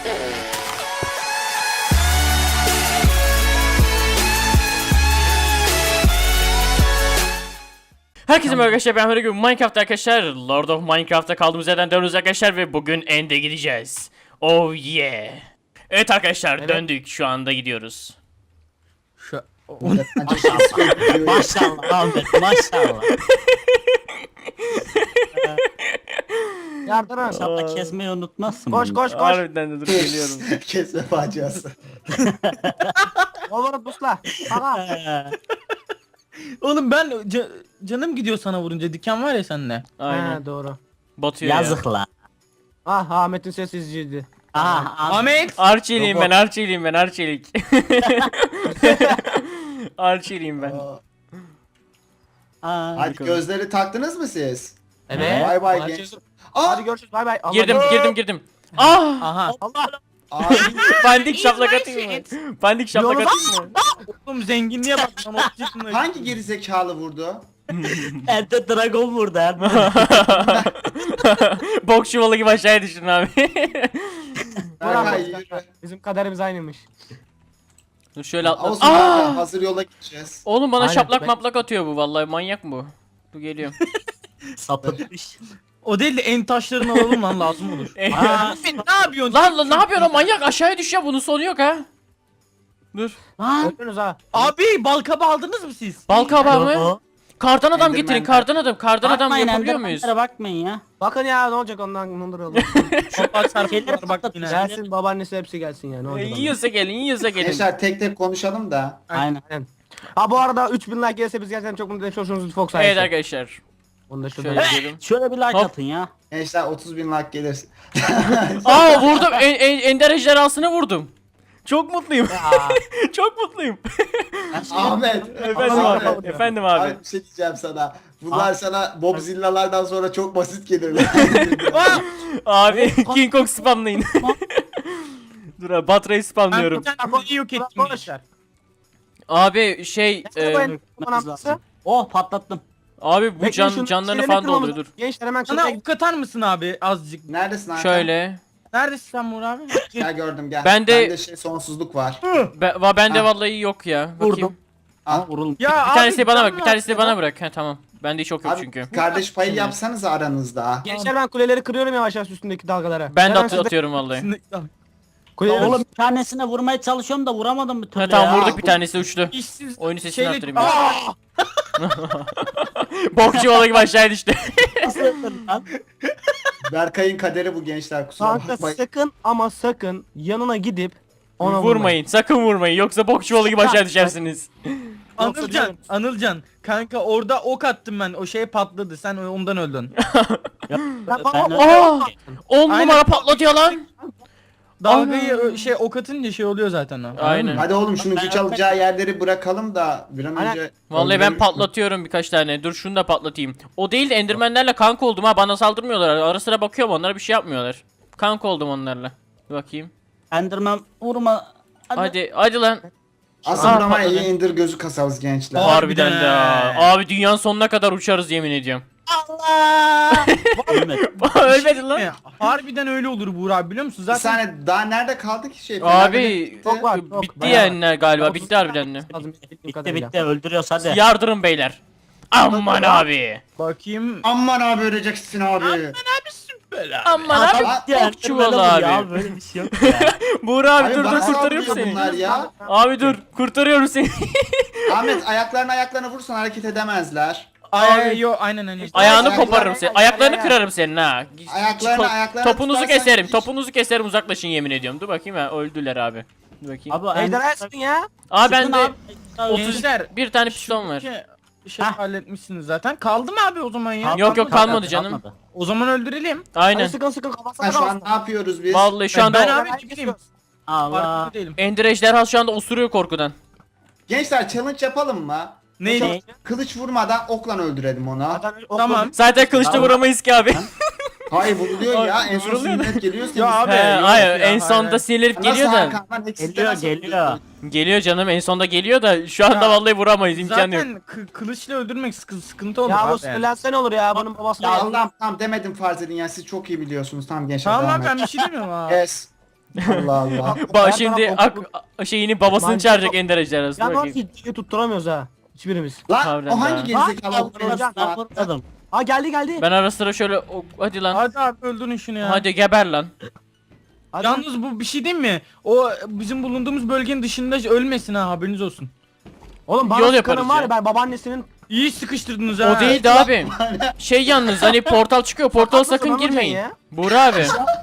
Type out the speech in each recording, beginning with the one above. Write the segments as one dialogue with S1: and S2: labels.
S1: Herkese merhaba arkadaşlar, ben her gün Minecraft arkadaşlar. Lord of Minecraft'ta kaldığımız yerden dönüyoruz arkadaşlar ve bugün End'e gideceğiz. Oh yeah. Evet arkadaşlar,
S2: Evet.
S1: döndük, şu anda gidiyoruz.
S2: Şu
S3: Maşallah Ahmet, maşallah.
S2: yardıran.
S3: İnşallah kesmeyi unutmazsın.
S2: Koş
S3: bunu.
S2: koş koş.
S1: Harbiden de dur geliyorum.
S4: Kesme faciası.
S2: Olur busla. Aha.
S5: Oğlum ben canım gidiyor sana vurunca, diken var ya sende.
S1: Aynen.
S2: He, doğru.
S1: Batıyor ya.
S3: Yazık la.
S2: Ah Ahmet'in sessizliğiydi.
S3: Aha,
S5: Ahmet.
S1: Arçeliyim ben, Arçeliyim ben, Arçelik. Arçeliyim ben.
S4: Hadi gözleri taktınız mı siz?
S2: Evet.
S4: Bay bay
S2: Hadi
S4: genç.
S2: görüşürüz.
S4: Aa!
S2: Hadi görüşürüz. Bay bay. Allah
S1: Girdim,
S2: Allah.
S1: girdim. Ah!
S5: Aha.
S2: Allah.
S4: Abi
S1: Pandik şaplak atayım mı? Pandik şaplak
S2: Yolda-
S1: atayım mı?
S5: Oğlum zenginliğe bak lan, 30 yaşında.
S4: hangi gerizekalı vurdu?
S3: Elde dragon vurdu Erde.
S1: Bok çuvalı gibi aşağıya düştün abi.
S4: Berkay
S2: Burak,
S4: yürü.
S2: Bizim kaderimiz aynıymış.
S1: Dur şöyle atla.
S4: Olsun Berkay, hazır yola gideceğiz.
S1: Oğlum bana
S2: Aynen,
S1: şaplak
S2: ben-
S1: maplak atıyor bu, vallahi manyak mı bu? Dur geliyorum.
S3: Sapıtmış.
S5: O değil de en taşlarını alalım lan, lazım olur.
S3: Aa,
S5: Ne yapıyorsun?
S1: Lan ne yapıyorsun o manyak, aşağıya düşüyor, bunun sonu yok ha. Dur.
S3: lan.
S2: Öldünüz ha.
S5: Abi balkaba aldınız mı siz?
S1: Bal kabağı mı?
S3: Yo,
S1: Kardan adam
S4: Enderman
S1: getirin,
S4: de.
S1: kardan adam. Kardan adam
S3: bakmayın,
S1: yapabiliyor muyuz?
S3: endermanlere bakmayın ya.
S2: Bakın ya ne olacak ondan nundur olur.
S5: Toprak sarflar bak
S3: patlatacağız.
S5: yine.
S2: Gelsin babaannesi hepsi gelsin ya ne olacak ondan.
S1: Yiyorsa gelin, yiyorsa gelin.
S4: Gençler tek tek konuşalım da.
S3: Aynen.
S2: Ha bu arada 3000 like gelirse biz gerçekten çok mutlu ederiz. Hoşunuzu Fox sayesinde.
S1: Evet arkadaşlar.
S2: Onu da
S1: Şöyle
S2: şurada.
S1: gidelim.
S3: Şöyle bir like
S1: Hop.
S3: atın ya.
S4: Gençler 30.000 like gelirse.
S1: Aa vurdum, ender ejderhasını vurdum. Çok mutluyum. Çok mutluyum.
S4: Ahmet.
S1: Efendim abi. Efendim abi.
S4: Abi bir şey diyeceğim sana. Bunlar sana Bobzillalardan sonra çok basit gelirler.
S1: Abi King Kong spamlayın. Dur abi, Batra'yı
S5: Ben
S1: spamlıyorum.
S5: bir tane konuyu yok ettim
S2: Konuş.
S5: gençler.
S1: Abi şey
S3: Oh, patlattım.
S1: abi bu
S2: Bekleyin, şunu
S1: canlarını
S2: şeylerini
S1: falan
S2: kırmamız-
S1: dolduruyor, dur.
S2: Gençler hemen
S5: Bana
S2: şuraya
S5: ok atar mısın abi azıcık?
S4: Neredesin Hakan?
S1: Şöyle.
S5: Neredesin sen Murat abi?
S4: Gel gördüm gel.
S1: Ben de-
S4: Bende sonsuzluk var.
S1: Bende
S4: Ha.
S1: vallahi yok ya. Bakayım.
S3: Vurdum. Ama vurulmuş.
S5: Ya
S1: Bir
S5: abi,
S1: tanesini bana
S5: sen
S1: bak,
S5: mi
S1: bir tanesini
S5: yaptın
S1: bana
S5: ya?
S1: bırak. He tamam. Bende hiç yok
S4: Abi
S1: çünkü.
S4: kardeş payı yapsanız aranızda.
S2: Gençler ben kuleleri kırıyorum yavaş yavaş üstündeki dalgalara.
S1: Ben de
S2: Hemen siz
S1: atıyorum vallahi.
S2: kuleleri-
S3: Oğlum bir tanesine vurmaya çalışıyorum da vuramadım bir türlü
S1: Ha tamam,
S3: ya.
S1: vurduk, bir tanesi uçtu.
S5: İşsiz
S1: Oyunu sesini
S5: şeyle-
S1: arttırayım ben.
S5: Aa!
S1: Bok çuvalı gibi aşağıya düştü.
S3: Nasıl yaptın lan?
S4: Berkay'ın kaderi bu gençler kusura
S2: Kanka
S4: bakmayın.
S2: sakın ama sakın yanına gidip ona
S1: Vurmayın, sakın vurmayın, yoksa bok çuvalı gibi aşağı düşersiniz.
S5: Anılcan kanka orada ok attım ben, o şey patladı, sen ondan öldün.
S3: Ben
S1: Aa! 10
S5: Aynen.
S1: numara patlatıyor lan.
S5: Dalgayı ok atınca şey oluyor zaten o.
S1: Aynen.
S4: Hadi oğlum şunu
S3: Ben-
S4: güç alacağı yerleri bırakalım da bir an
S2: Aynen.
S4: önce...
S1: Vallahi ben
S4: öldürelim.
S1: patlatıyorum birkaç tane. Dur şunu da patlatayım. O değil de endermenlerle kanka oldum ha, bana saldırmıyorlar. Ara sıra bakıyorum, onlara bir şey yapmıyorlar. Kanka oldum onlarla. Dur bakayım.
S3: Enderman vurma.
S1: Hadi lan.
S4: Aslında
S1: Aa,
S4: ama
S1: patladı.
S4: iyi indir gözü kasarız gençler.
S1: Harbiden de ha.
S5: he.
S1: Abi dünyanın sonuna kadar uçarız yemin ediyorum.
S3: Allah. Ölmedi.
S1: Ölmedin lan.
S5: Harbiden öyle olur Buğra abi, biliyor musun?
S4: Bir
S5: Zaten
S4: saniye daha nerede kaldı ki şey?
S1: Abi
S2: Çok var, çok.
S1: bitti
S2: Bayağı
S1: yani galiba, bitti harbiden de.
S2: lazım.
S3: Bitti bitti, öldürüyoruz hadi.
S1: Yardırın beyler. Aman abi.
S5: bakayım.
S4: Aman abi öleceksin abi.
S1: Aman abi.
S3: Bitti,
S1: Bok çuvalı
S3: Enderman olur ya,
S1: abi.
S3: böyle bir şey yok ya.
S1: Buğra abi, dur
S4: bana
S1: kurtarıyorum
S4: saldırıyor
S1: seni.
S4: bunlar ya.
S1: Abi dur, kurtarıyorum seni.
S4: Ahmet ayaklarına vursan hareket edemezler.
S5: Yo aynen.
S1: Ayağını
S4: Ayaklarını-
S1: koparırım seni. Ayaklarını kırarım senin ha.
S4: Ayaklarına
S1: Topunuzu
S4: tutarsan
S1: keserim.
S4: hiç-
S1: Topunuzu keserim, uzaklaşın yemin ediyorum. Dur bakayım ha, öldüler abi. Dur bakayım.
S3: Abi
S2: Ejderha etsin ya.
S1: Aa
S3: Sıkın
S1: bende
S3: abi.
S1: 31 tane piston var.
S5: Şey
S3: Hah.
S5: halletmişsiniz zaten. Kaldı mı abi o zaman ya?
S1: Yok, kalmadı canım.
S5: O zaman öldürelim.
S1: Aynen.
S2: Hadi sıkın sıkın kafasına
S4: Ha, şu an
S2: kalsın.
S4: ne yapıyoruz biz?
S1: Vallahi şu
S5: Ben
S1: anda
S5: abi ciddiyim.
S3: Allah.
S5: Farkında değilim.
S1: Ender ejderhası şu anda osuruyor korkudan.
S4: Gençler challenge yapalım mı?
S5: Neydi?
S4: Kılıç vurmadan okla öldürelim onu.
S5: Tamam.
S1: Zaten kılıçla
S3: Tamam.
S1: vuramayız ki abi.
S4: Hayır vuruluyor ya.
S1: Abi,
S4: En son
S1: vuruluyor da.
S4: sünnet geliyor senin.
S5: Ya abi.
S1: He,
S5: yok
S1: hayır
S5: ya,
S1: en sonda
S5: hayır.
S1: sinirlenip
S4: Nasıl
S1: geliyor da.
S4: Hakan? Lan eksiste
S3: Geliyor
S4: nasıl
S3: geliyor.
S4: vuruluyor?
S1: Geliyor canım, en sonda geliyor da şu anda
S5: Ya,
S1: vallahi vuramayız, imkanı yok.
S5: Zaten kılıçla öldürmek sıkıntı olur
S2: Ya
S5: abi.
S2: bu sinirlensen olur ya bunun babası.
S4: Ya Allah'ım tamam demedim farz edin ya siz çok iyi biliyorsunuz tamam gençler
S5: Tamam
S4: devam
S5: abi, ben
S4: et.
S5: bir şey demiyorum abi.
S4: Yes. Allah Allah.
S2: Her
S1: Şimdi
S2: taraf
S1: şeyini babasını
S2: Mantıklı.
S1: çağıracak Ender ejderhası.
S2: Ya
S1: Dur
S2: nasıl
S1: bakayım.
S2: hiç tutturamıyoruz ha. Hiçbirimiz.
S4: Lan
S1: Harbiden
S4: o hangi
S1: ha.
S4: gerizekalı
S2: Ha,
S4: vurdu?
S3: Ben vurmadım.
S2: Ha geldi.
S1: Ben ara sıra şöyle hadi lan.
S5: Hadi abi öldürün şunu ya.
S1: Hadi geber lan.
S2: Hadi.
S5: Yalnız bu bir şey değil mi? O bizim bulunduğumuz bölgenin dışında ölmesin ha, haberiniz olsun.
S2: Oğlum bana
S1: Yol
S2: sıkanın
S1: yaparız
S2: var
S1: ya.
S2: ya ben babaannesinin
S5: İyi sıkıştırdınız ha.
S1: O değildi abi. Şey yalnız hani portal çıkıyor. Portala
S2: Sakın
S1: sakın
S2: lan hocam
S1: girmeyin.
S2: ya.
S1: Buğra abi.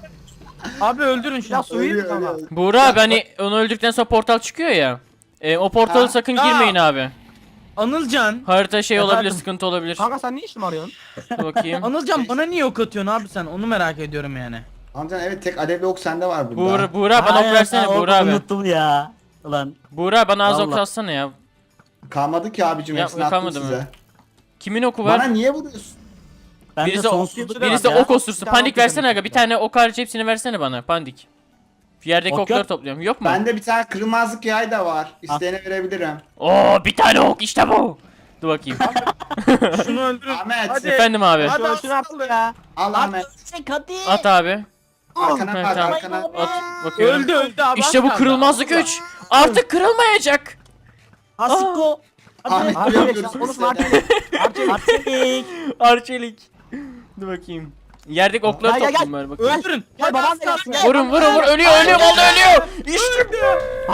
S5: Abi öldürün şunu.
S2: Ya suyu
S4: Ölüyor,
S2: ama.
S4: ölüyor.
S1: Buğra abi hani onu öldükten sonra portal çıkıyor ya. O portalı
S4: Ha.
S1: sakın
S5: Ya.
S1: girmeyin abi.
S5: Anılcan.
S1: Harita şey olabilir,
S5: Efendim?
S1: sıkıntı olabilir.
S2: Kanka sen ne işim arıyorsun?
S1: Dur bakayım.
S5: Anılcan bana niye ok atıyorsun abi sen? Onu merak ediyorum yani.
S4: Amcan evet tek alevli ok sende var burada.
S1: Buğra bana ok
S3: Aynen,
S1: versene
S3: ben
S1: Buğra abi.
S3: Unuttum ya. Ulan.
S1: Buğra bana az ok
S2: Vallahi.
S1: atsana ya.
S4: Kalmadı ki abicim
S1: Ya,
S4: hepsini attım
S1: kalmadı mı?
S4: size.
S1: Kimin oku
S4: Bana
S1: var?
S4: niye vuruyorsun?
S3: Ben
S1: Birisi
S3: de
S1: o-
S3: sonsuzluk
S1: Birisi
S3: var ya.
S1: ok osursun.
S2: Bir tane
S1: Pandik
S2: ok
S1: versene
S2: yedim.
S1: aga. Bir tane ok hariç hepsini versene bana. Pandik. Yerdeki
S3: Ok
S1: okları
S3: yok.
S1: topluyorum. Yok mu?
S4: Bende bir tane kırmızılık yay da var. İsteyene verebilirim.
S1: Oo bir tane ok işte bu. Dur bakayım.
S5: Şunu öldürün.
S4: Ahmet.
S5: Hadi.
S1: Efendim abi.
S5: Hadi
S2: Şunu şunu
S5: aslan
S2: artık ya.
S4: Al Ahmet.
S3: Hadi.
S1: At abi.
S4: Arkana
S1: Evet,
S4: bak
S1: tamam.
S4: arkana.
S1: At. Bakıyorum.
S5: Öldü abi.
S1: İşte
S5: az
S1: bu
S5: kaldı.
S1: kırılmazlık 3. Artık kırılmayacak.
S3: Asiko.
S4: Ahmet
S3: Hadi.
S4: duyamıyoruz
S2: Arçelik
S4: biz
S2: konuşma
S4: seni.
S2: Arçelik.
S3: Arçelik.
S1: Arçelik. Dur bakayım. Yerdeki okları
S2: Gel, gel,
S1: toplayayım bari bakayım.
S5: Öldürün.
S2: Gel
S5: Hadi
S2: babam da
S5: aslan.
S2: gelsin gel.
S1: Vurun vurun vurun. Ölüyor ölüyor vallahi ölüyor. İşte bu.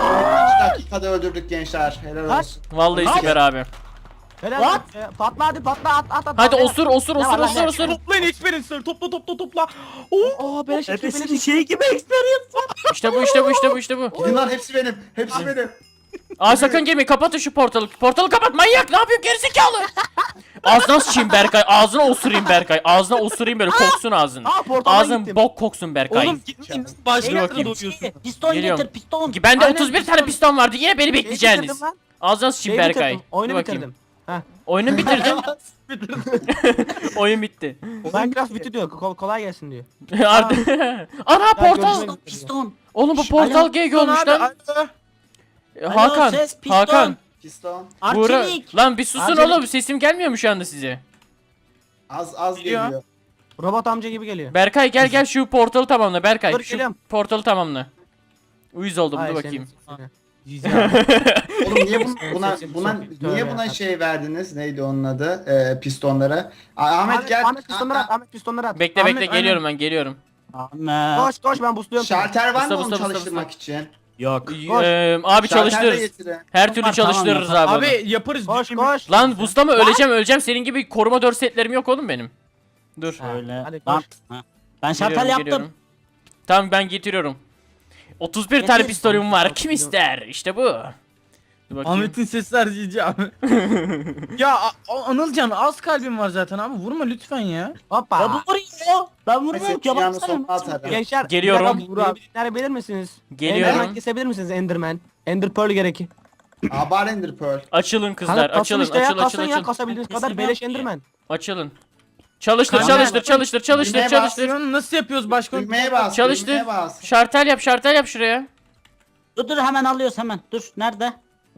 S4: 3 dakikada öldürdük gençler. Helal olsun.
S1: Vallahi süper abi.
S2: Helal
S3: What?
S2: olsun. Patla hadi patla at.
S1: Hadi
S2: Patla.
S1: osur osur
S2: Ne
S1: osur
S2: var lan,
S1: osur
S2: ne?
S1: osur.
S5: Toplayın experience'ları. Topla.
S2: Oo beleş iki
S3: Hepsinin
S2: beleş.
S3: şey gibi experience var.
S1: İşte bu işte bu işte bu işte bu.
S4: Gidin lan hepsi benim. Hepsi benim.
S1: Aa sakın girme kapatın şu portalı. Portalı kapat manyak ne yapıyorsun gerizekalı. Ağzına sıçayım Berkay. Ağzına osurayım Berkay. Ağzına osurayım böyle koksun ağzın.
S2: Aa portala
S1: Ağzın
S2: gittim.
S1: bok koksun Berkay.
S5: Oğlum gitmeyin. Başka
S1: Dur
S5: yerde
S1: bakayım.
S5: doğuyorsun.
S3: Piston
S1: Geliyorum.
S3: getir piston.
S1: Bende
S2: Aynen,
S1: 31 tane
S2: piston.
S1: piston vardı. Yine beni
S2: Şeyi
S1: bekleyeceksiniz.
S2: bitirdim lan.
S1: Ağzına sıçayım
S2: Şeyi
S1: Berkay.
S2: bitirdim. Oyunu
S1: Dur bakayım.
S2: bitirdim. Heh.
S1: Oyunu bitirdin. Oyun bitti.
S2: Minecraft bitti diyor. Kolay gelsin diyor.
S1: Artık. Ana portal.
S2: görüşmek-
S3: Piston.
S1: Oğlum bu
S3: Şş,
S1: portal
S3: alo.
S1: GG olmuş
S5: Abi,
S1: lan.
S5: alo.
S1: Hakan.
S3: ses, piston.
S1: Hakan.
S4: Piston.
S1: Buğra.
S3: Arçelik.
S1: Lan bir susun
S2: Arçelik.
S1: oğlum. Sesim gelmiyor mu şu anda size?
S4: Az
S5: Geliyor.
S4: geliyor.
S2: Robot amca gibi geliyor.
S1: Berkay gel şu portalı tamamla Berkay.
S2: Dur,
S1: Şu
S2: geliyorum.
S1: portalı tamamla. Uyuz oldum
S2: Ay,
S1: dur
S2: senin-
S1: bakayım.
S2: seni.
S4: Oğlum niye buna
S2: Sesim
S4: buna
S2: çok-
S4: niye
S2: Tövbe
S4: buna
S2: ya.
S4: şey verdiniz? Neydi onun adı? Pistonlara. Ahmet gel.
S2: Ahmet pistonları at. Ahmet pistonları at.
S1: Bekle
S5: Ahmet,
S1: bekle
S5: aynen.
S1: geliyorum ben geliyorum.
S3: Ahmet.
S2: Koş ben busluyorum seni.
S4: Şalter var mı
S1: Usta,
S4: onu
S1: usta,
S4: çalıştırmak için?
S3: Yok.
S2: Koş.
S1: Abi
S4: Şalter de
S1: çalıştırırız.
S4: getirin.
S1: Her türlü
S3: Tamam,
S1: çalıştırırız
S3: tamam,
S1: abi. onu.
S5: Abi yaparız.
S2: Koş
S5: düşünme.
S2: koş.
S1: Lan buslama öleceğim. Senin gibi koruma 4 setlerim yok oğlum benim. Dur.
S3: Öyle.
S2: Hadi
S3: Lan.
S2: koş.
S3: Ha. Ben şartel
S1: Geliyorum,
S3: yaptım.
S1: geliyorum. Tamam ben getiriyorum. 31 tane
S3: Getir.
S1: pistolüm var. Kim ister? İşte bu. Dur bakayım.
S5: Ahmet'in sesi harcayıcı abi. Ya Anılcan az kalbim var zaten abi. Vurma lütfen ya.
S2: Hoppa.
S3: Ya bu vuruyor. Ben vurmuyorum
S4: Neyse
S3: ki.
S4: dünyanın
S3: Baksana.
S4: sonuna atarım.
S2: Gençler.
S1: Geliyorum.
S2: bir dakika, Enderman bilir misiniz?
S1: Geliyorum.
S2: Enderman kesebilir misiniz Enderman? Ender Pearl gerek.
S4: Abar Ender Pearl.
S1: Açılın kızlar.
S2: Kanka kasın
S1: Açılın
S2: işte ya
S1: açıl
S2: kasın
S1: açıl
S2: ya
S1: açıl.
S2: kasabildiğiniz kadar
S3: Kesemem
S2: beleş
S3: ki.
S2: Enderman.
S1: Açılın. Çalıştır
S5: Kanka,
S1: çalıştır çalıştır çalıştır
S4: düğmeye
S1: çalıştır.
S5: Aksiyonu nasıl yapıyoruz başka?
S4: Düğmeye bas.
S1: Çalıştır.
S4: Düğmeye bas.
S1: Şartel yap şuraya.
S3: Dur hemen alıyoruz hemen. Dur nerede?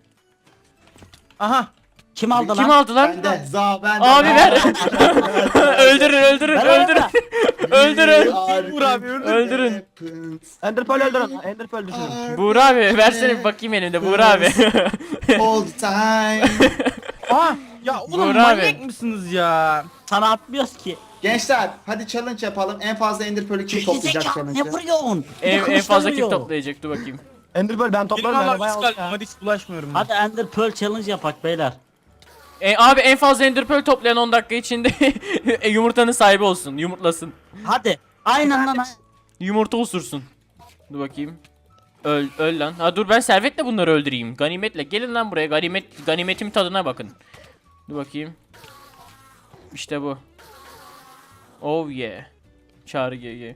S5: Aha.
S3: Kim aldı
S1: Kim
S3: lan?
S1: aldı lan?
S4: Bende. Bende.
S1: Abi ver. öldürün
S3: Ver,
S1: öldürün.
S3: ver.
S1: Öldürün.
S5: Vur abi,
S1: Öldürün.
S2: Ender Pearl öldürün. Ender Pearl düşünün.
S1: Buğra abi versene bir bakayım elimde Buğra abi.
S4: All the time.
S5: Aha. Ya oğlum
S1: Buğra abi.
S5: manyak mısınız ya?
S3: Sana atmıyoruz ki.
S4: Gençler hadi challenge yapalım. En fazla Ender Pearl'ü kim toplayacak
S3: Gerizekalı, ne
S4: challenge'ı?
S3: vuruyorsun? Bir de
S1: en
S3: kılıçla
S1: fazla kim
S3: vuruyor.
S1: toplayacak dur bakayım.
S2: Ender Pearl ben
S5: Benim
S2: toplarım yani
S5: Allah
S2: bayağı
S5: biz
S2: oldu
S5: kalbim
S2: ya.
S5: hadi hiç bulaşmıyorum. ben.
S3: Hadi Ender Pearl challenge yapak beyler.
S1: Abi en fazla Ender Pearl toplayan 10 dakika içinde yumurtanın sahibi olsun. Yumurtlasın.
S3: Hadi. Aynen lan.
S1: Yumurta osursun. Dur bakayım. Öl lan. Ha dur ben servetle bunları öldüreyim. Ganimetle. Gelin lan buraya. Ganimetim tadına bakın. Dur bakayım. İşte bu. Oh yeah. Çağrı GG.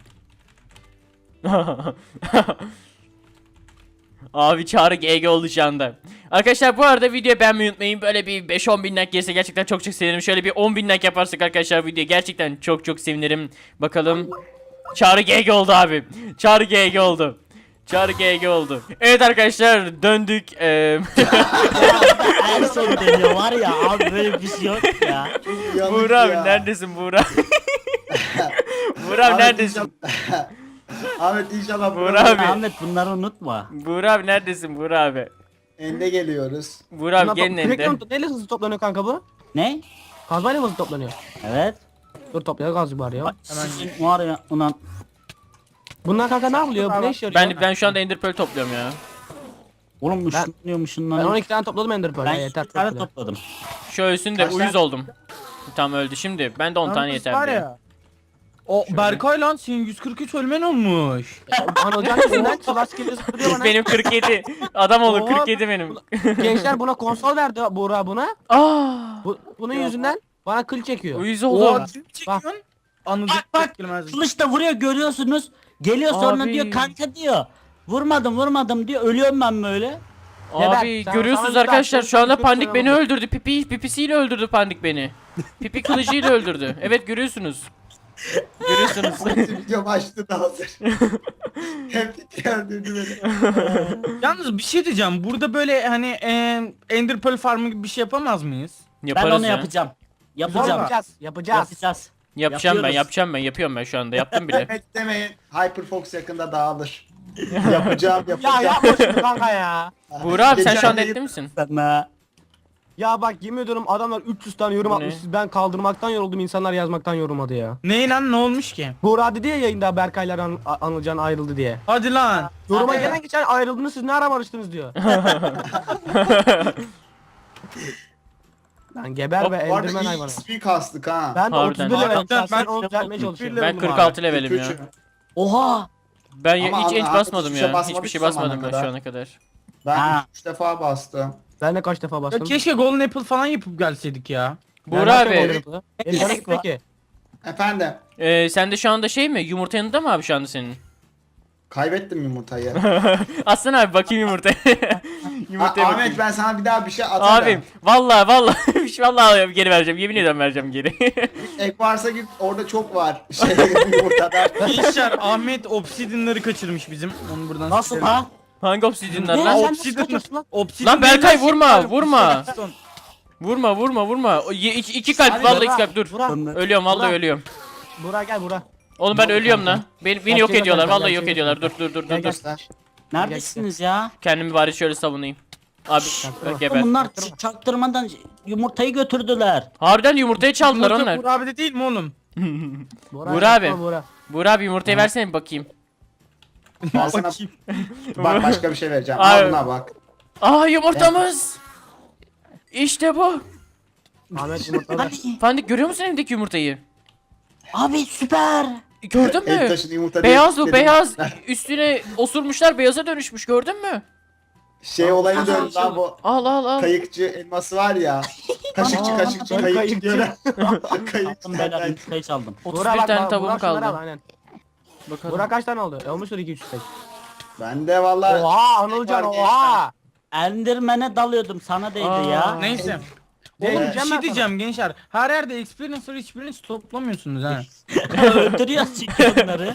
S1: Abi Çağrı GG oldu şu anda. Arkadaşlar bu arada videoyu beğenmeyi unutmayın. Böyle bir 5-10 bin like gelirse gerçekten çok sevinirim. Şöyle bir 10 bin like yaparsak arkadaşlar videoya gerçekten çok sevinirim. Bakalım. Çağrı GG oldu abi. Çağrı GG oldu. Çağrı GG oldu. Evet arkadaşlar döndük.
S3: En son deniyor var ya abi böyle bir şey yok ya.
S4: Yanık
S1: Buğra abi
S4: ya.
S1: neredesin Buğra? Buğra abi
S4: Ahmet
S1: neredesin?
S4: inşallah- Ahmet inşallah
S1: Buğra
S4: burada.
S1: abi.
S3: Ahmet bunları unutma.
S1: Buğra abi neredesin Buğra abi?
S4: Ende geliyoruz.
S1: Buğra abi
S2: Bunlar
S1: gelin
S2: sürekli
S1: ende.
S2: mi- Neyle hızlı toplanıyor kanka bu?
S3: Ne?
S2: Kazmayla mı hızlı toplanıyor?
S3: Evet.
S2: Dur toplayalım gazcı bari ya.
S3: Bak, sizin var ya ulan.
S2: Bunlar kanka ne yapıyor? Bu ne işe yarıyor?
S1: Ben şu anda ender pearl topluyorum ya.
S3: Oğlum
S2: Ben
S3: ışınlanıyor.
S2: 12 tane topladım Ender Pearl.
S3: Ben
S2: Ha, yeter.
S3: 2 tane
S2: çok bile.
S3: topladım.
S1: Şu ölsün de
S4: Kaç
S1: uyuz
S4: tane?
S1: oldum. Tam öldü şimdi. Ben de 10 tane
S5: Yalnız
S1: yeter
S5: var
S1: diye.
S5: ya. O Berkay lan senin 143 ölmen olmuş.
S2: Anılcan yüzünden Slash geliyor zıplıyor bana.
S1: Benim 47. Adam olur
S2: Oha.
S1: 47 benim.
S2: Gençler buna konsol verdi Buğra buna.
S1: Aa!
S2: Bunun yüzünden bana kıl çekiyor.
S1: Uyuz
S5: Oha
S1: oldum.
S5: çekiyorsun. Anılcan
S3: Bak,
S5: girmez.
S3: Kılıç da vuruyor görüyorsunuz. Geliyor sonra
S1: Abi.
S3: diyor kanka diyor. Vurmadım diyor. Ölüyorum ben böyle.
S1: Abi
S2: Sen-
S1: görüyorsunuz
S2: sana bir
S1: arkadaşlar
S2: dakika,
S1: şu anda
S2: çok
S1: Pandik beni
S2: selam
S1: öldürdü. Pipisiyle öldürdü Pandik beni. Pipi kılıcıyla öldürdü. Evet görüyorsunuz. Görüyorsunuz.
S4: Video başladı da hazır. Hep öldürdü beni.
S5: Yalnız bir şey diyeceğim. Burada böyle hani Ender Pearl farmı gibi bir şey yapamaz mıyız?
S1: Yaparız
S3: Ben onu
S1: ya.
S3: yapacağım.
S2: Biz
S3: Yapacağım.
S2: yapacağız. Yapacağız.
S3: Yapacağız.
S1: Yapacağım ben yapıyorum ben şu anda yaptım bile.
S4: Evet demeyin. Hyperfox yakında dağılır. Yapacağım.
S2: Ya yapma şunu kanka ya.
S1: Buğra abi sen
S4: Geçen
S1: şu anda
S4: yayın-
S1: etli misin?
S3: Sana.
S2: Ya bak yemin ediyorum adamlar 300 tane yorum
S1: Bu
S2: atmış.
S1: ne?
S2: Ben kaldırmaktan yoruldum, insanlar yazmaktan yorulmadı ya.
S5: Ne lan ne olmuş ki?
S2: Buğra dedi ya yayında Berkaylar Anılcan ayrıldı diye.
S5: Hadi lan.
S2: Yoruma
S4: Evet.
S2: gelen geçen ayrıldınız siz ne ara barıştınız diyor. Lan geber be
S4: Bu arada
S2: Enderman
S4: iyi
S2: hayvanı.
S4: XP kastık ha.
S2: Ben de
S1: Harbiden.
S2: 31 levelim.
S5: Ben-
S2: Sen
S5: ben-
S2: onu düzeltmeye
S5: 31
S2: çalışıyorum.
S1: Ben
S5: levelim
S1: 46 levelim ya.
S4: Küçük.
S3: Oha.
S1: Ben
S4: Ama
S1: hiç enç
S4: Ahmet
S1: basmadım
S4: hiçbir şey
S1: ya.
S4: basmadık
S1: Hiçbir şey
S4: şu zamana
S1: basmadım ben
S4: kadar.
S1: şu ana kadar.
S4: Ben
S3: Ha.
S4: 3 defa bastım.
S2: Ben de kaç defa
S5: Ya
S2: bastım.
S5: keşke Golden Apple falan yapıp gelseydik ya.
S1: Buğra abi
S2: Gerek peki.
S4: Efendim.
S1: sen de şu anda şey mi? Yumurta yanında mı abi şu anda senin?
S4: Kaybettim yumurtayı.
S1: Aslında abi bakayım yumurtaya. Yumurtaya
S4: Ahmet
S1: bakayım.
S4: ben sana bir daha bir şey atarım.
S1: Abim vallahi vallahi geri vereceğim. Yemin ediyorum vereceğim geri.
S4: Ek varsa git orada çok var. Şey yumurtadan.
S5: Gençler Ahmet Obsidian'ları kaçırmış bizim. Onu buradan
S3: Nasıl
S5: sikerim.
S3: ha?
S1: Hangi obsidyenler
S3: Ne?
S1: lan?
S3: Sen
S5: Obsidian.
S2: nasıl kaçıyorsun lan?
S5: Obsidian
S1: Lan Berkay,
S5: değil lan,
S1: vurma,
S5: şey,
S1: vurma.
S5: Stone.
S1: Vurma. İki kalp
S2: Hadi
S1: vallahi
S2: Burak,
S1: iki kalp dur.
S2: Burak,
S1: Ölüyorum vallahi
S2: Burak.
S1: ölüyorum.
S2: Burak gel Burak.
S1: Oğlum ben ölüyorum lan. Beni yok
S2: Gerçeği
S1: ediyorlar.
S2: göster,
S1: Vallahi yok
S2: gerçeği
S1: ediyorlar.
S2: göster.
S1: Dur
S2: Gel gel.
S3: Neredesiniz ya?
S1: Kendimi bari şöyle savunayım. Abi
S2: Çaktırma.
S1: geber.
S3: Bunlar çaktırmadan yumurtayı götürdüler.
S1: Harbiden yumurtayı çaldılar
S5: Yumurta
S1: onlar.
S5: Buğra abi de değil mi oğlum?
S1: Burak abi.
S2: yapma Burak.
S1: Buğra abi yumurtayı versene bir bakayım.
S4: Ben sana
S5: Bakayım.
S4: bak başka bir şey vereceğim.
S1: Ay.
S4: Al buna bak.
S1: Aa yumurtamız. İşte bu.
S2: Ahmet yumurtladı.
S3: Hadi.
S1: Fandik görüyor musun evdeki yumurtayı?
S3: Abi süper.
S1: Gördün
S4: El
S1: mü?
S4: taşın yumurta
S1: Beyaz
S4: değil,
S1: bu
S4: dedim.
S1: beyaz. Üstüne osurmuşlar beyaza dönüşmüş gördün mü?
S4: Şey olayı döndü lan bu.
S1: Al.
S4: Kayıkçı elması var ya. Kaşıkçı kayıkçı
S2: Kayıkçı.
S4: diyor.
S3: Attım
S4: Kayıkçı.
S3: beyler yumurtayı çaldım.
S1: 31
S2: Burak bak,
S1: tane
S2: bak,
S1: tavuğum
S2: Burak şunları al,
S1: kaldı.
S2: aynen.
S1: Bakalım.
S2: Burak kaç tane oldu? Olmuştur 2-3 tek.
S4: Ben de valla.
S2: Oha Anılcan
S4: Var
S2: oha.
S3: Enderman'e dalıyordum sana değdi
S1: Aa.
S3: ya.
S5: Neyse.
S2: Evet.
S5: Oğlum bir
S2: Diyeceğim
S5: şey
S2: ben
S5: diyeceğim gençler. Her yerde experience toplamıyorsunuz ha.
S3: Öldürüyoruz çünkü onları.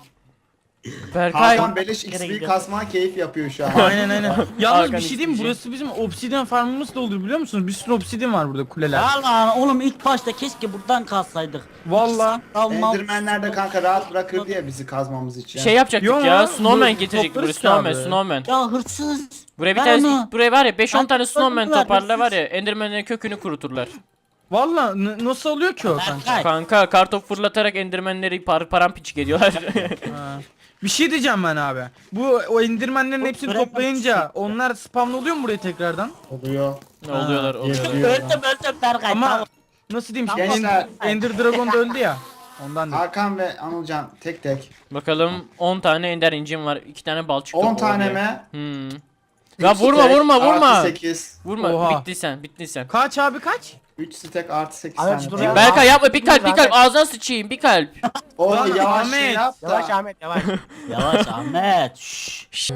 S1: Berkay.
S4: Hakan Beleş
S3: Yere
S4: XP
S3: gidiyor.
S4: kasma keyif yapıyor şu an.
S5: Aynen. Yalnız
S1: Hakan
S5: bir şey diyeyim mi?
S1: istici.
S5: Burası bizim obsidian farmımız da olur biliyor musunuz? Bir sürü obsidian var burada kuleler.
S3: Ya lan oğlum ilk başta keşke buradan kalsaydık.
S5: Valla.
S4: Endermanler de kanka rahat bırakır diye bizi kazmamız için.
S1: Şey yapacaktık
S5: Yo,
S1: ya.
S5: bu-
S1: Snowman getirecektik buraya.
S5: toplarız ki abi.
S1: Snowman.
S3: Ya hırsız.
S1: Buraya bir
S3: Ver
S1: tane
S3: onu.
S1: buraya var ya 5-10
S3: Ben
S1: tane snowman
S3: ver,
S1: toparla
S3: hırsız.
S1: var ya Enderman'in kökünü kuruturlar.
S5: Valla nasıl oluyor ki o kanka?
S3: Berkay.
S1: Kanka kartop fırlatarak Enderman'leri paramparçık ediyorlar.
S5: Ha. Bir şey diyeceğim ben abi. Bu o indirmenlerin hepsini
S3: Bırak
S5: toplayınca onlar spawn oluyor mu buraya tekrardan?
S4: Oluyor.
S1: Ne oluyorlar.
S3: Öldüm Berkay.
S5: Ama
S3: tamam.
S5: nasıl diyeyim
S4: Gençler.
S5: şimdi Ender Dragon da öldü ya. Ondan da.
S4: Hakan ve Anılcan tek tek.
S1: Bakalım 10 tane ender incim var. 2 tane bal çıktı.
S4: 10 tane
S1: Oraya.
S4: mi?
S1: Hmm. Ya vurma.
S4: 8.
S1: Vurma.
S5: Oha.
S1: Bittiysen.
S5: Kaç abi kaç?
S4: 3 stack artı 8
S2: Ahmet,
S4: tane.
S2: dur
S4: daha.
S2: ya.
S1: Berkay yapma bir kalp
S2: Zaten-
S1: ağzına sıçayım bir kalp.
S4: Oğlum
S5: Lan
S4: yavaş
S5: Ahmet.
S4: şey yap
S2: Yavaş
S4: da.
S2: Ahmet yavaş.
S3: Yavaş Ahmet. Şşş.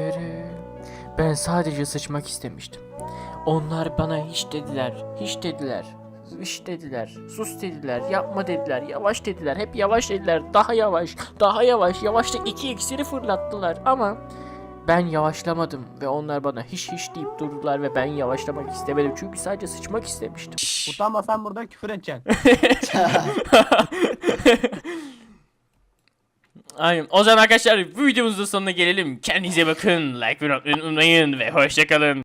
S1: Ben sadece sıçmak istemiştim. Onlar bana hiç dediler. Sus dediler, yapma dediler, yavaş dediler, hep yavaş dediler, daha yavaş, yavaşlık 2 iksiri fırlattılar ama ben yavaşlamadım ve onlar bana hiç deyip durdular ve ben yavaşlamak istemedim çünkü sadece sıçmak istemiştim.
S2: Utanmasan burada küfür edeceksin.
S1: Aynen. O zaman arkadaşlar bu videomuzun sonuna gelelim. Kendinize bakın. Like ve unutmayın ve hoşçakalın.